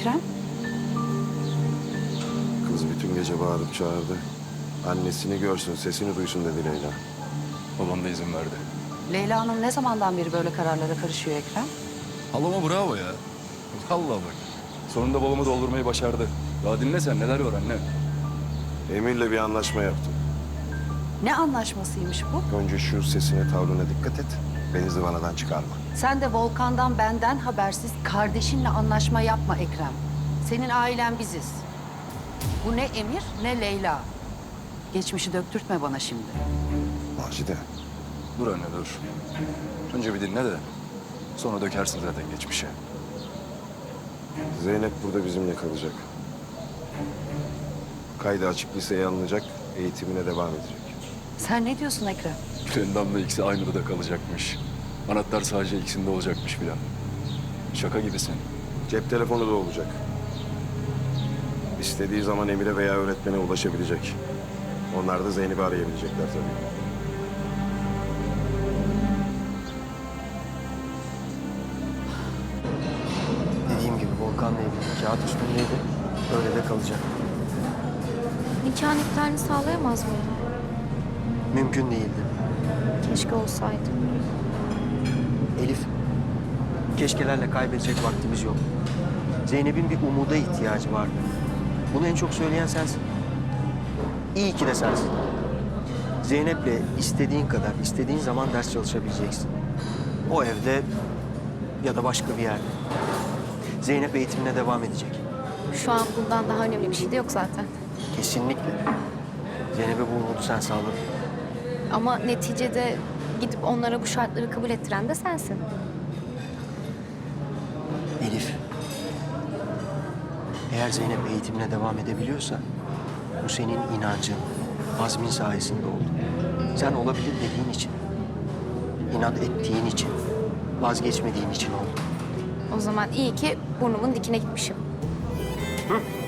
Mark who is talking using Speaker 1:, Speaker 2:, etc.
Speaker 1: Ekrem?
Speaker 2: Kız bütün gece bağırıp çağırdı. Annesini görsün, sesini duysun dedi Leyla.
Speaker 3: Babam da izin verdi.
Speaker 1: Leyla Hanım ne zamandan beri böyle kararlara karışıyor Ekrem?
Speaker 3: Halama bravo ya. Vallahi bak. Sonunda babamı doldurmayı başardı. Daha dinle sen, neler var anne.
Speaker 2: Emir'le bir anlaşma yaptım.
Speaker 1: Ne anlaşmasıymış bu?
Speaker 2: Önce şu sesine, tavrına dikkat et. Beni zıvanadan çıkarma.
Speaker 1: Sen de Volkan'dan benden habersiz kardeşinle anlaşma yapma Ekrem. Senin ailen biziz. Bu ne Emir ne Leyla. Geçmişi döktürtme bana şimdi.
Speaker 2: Macide,
Speaker 3: Dur anne dur. Önce bir dinle de. Sonra dökersin zaten geçmişe.
Speaker 2: Zeynep burada bizimle kalacak. Kaydı açık liseye alınacak, eğitimine devam edecek.
Speaker 1: Sen ne diyorsun Ekrem?
Speaker 3: Endam'la ikisi aynı odada kalacakmış. Anahtar sadece ikisinde olacakmış filan. Şaka gibisin.
Speaker 2: Cep telefonu da olacak. İstediği zaman Emir'e veya öğretmene ulaşabilecek. Onlar da Zeynep'i arayabilecekler tabii.
Speaker 4: Dediğim gibi Volkan'la evlilik kağıt üstündeydi. Öyle de kalacak.
Speaker 5: Nikahın iptalini sağlayamaz mıyım?
Speaker 4: Mümkün değildi.
Speaker 5: Keşke olsaydı.
Speaker 4: Elif, keşkelerle kaybedecek vaktimiz yok. Zeynep'in bir umuda ihtiyacı vardı. Bunu en çok söyleyen sensin. İyi ki de sensin. Zeynep'le istediğin kadar, istediğin zaman ders çalışabileceksin. O evde ya da başka bir yerde. Zeynep eğitimine devam edecek.
Speaker 5: Şu an bundan daha önemli bir şey de yok zaten.
Speaker 4: Kesinlikle. Zeynep'e bu umudu sen sağladın.
Speaker 5: Ama neticede gidip onlara bu şartları kabul ettiren de sensin.
Speaker 4: Elif, eğer Zeynep eğitimine devam edebiliyorsa bu senin inancın, azmin sayesinde oldu. Sen olabilir dediğin için, inat ettiğin için, vazgeçmediğin için oldu.
Speaker 5: O zaman iyi ki burnumun dikine gitmişim.
Speaker 4: Hı?